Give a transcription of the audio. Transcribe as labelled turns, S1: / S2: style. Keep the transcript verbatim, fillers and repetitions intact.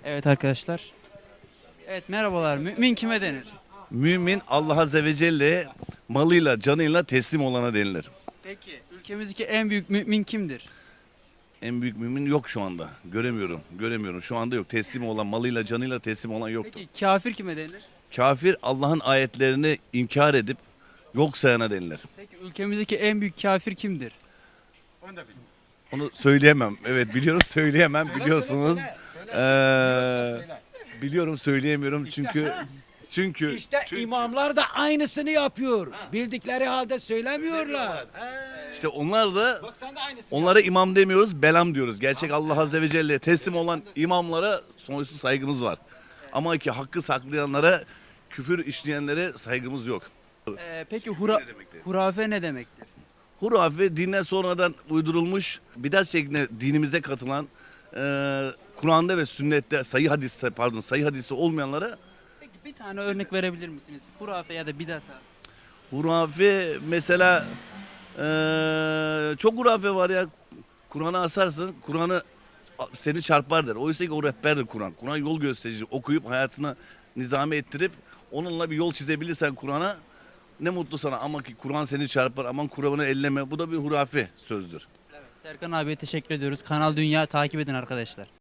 S1: Evet arkadaşlar. Evet merhabalar. Mümin kime denir?
S2: Mümin Allah Azze ve Celle malıyla canıyla teslim olana denilir.
S1: Peki ülkemizdeki en büyük mümin kimdir?
S2: En büyük mümin yok şu anda. Göremiyorum. Göremiyorum. Şu anda yok. Teslim olan malıyla canıyla teslim olan yoktur.
S1: Peki kafir kime denir?
S2: Kafir Allah'ın ayetlerini inkar edip yok sayana denilir.
S1: Peki ülkemizdeki en büyük kafir kimdir?
S2: Onu söyleyemem. Evet biliyorum söyleyemem biliyorsunuz. Ee, biliyorum söyleyemiyorum çünkü çünkü
S3: İşte
S2: çünkü
S3: imamlar da aynısını yapıyor. Bildikleri halde söylemiyorlar.
S2: işte onlar da
S3: Bak sen de aynısını
S2: onlara imam demiyoruz, belam diyoruz. Gerçek Allah Azze ve Celle'ye teslim olan imamlara sonsuz saygımız var. Ama ki hakkı saklayanlara, küfür işleyenlere saygımız yok.
S1: Ee, peki hura,
S2: Ne demektir?
S1: hurafe ne demektir?
S2: Hurafe dinden sonradan uydurulmuş, bidat şeklinde dinimize katılan, e, Kur'an'da ve sünnette sayı hadiste pardon sayı hadisi olmayanlara
S1: Peki bir tane örnek verebilir misiniz? Hurafe ya da bidata.
S2: hurafe mesela e, çok hurafe var ya. Kur'an'ı asarsın, Kur'an'ı seni çarpar der. Oysa ki o rehberdir Kur'an. Kur'an yol gösterici. Okuyup hayatını nizame ettirip onunla bir yol çizebilirsen Kur'an'a ne mutlu sana. Ama ki Kur'an seni çarpar. Aman Kur'an'ı elleme. Bu da bir hurafe sözdür.
S1: Evet. Serkan abiye teşekkür ediyoruz. Kanal Dünya takip edin arkadaşlar.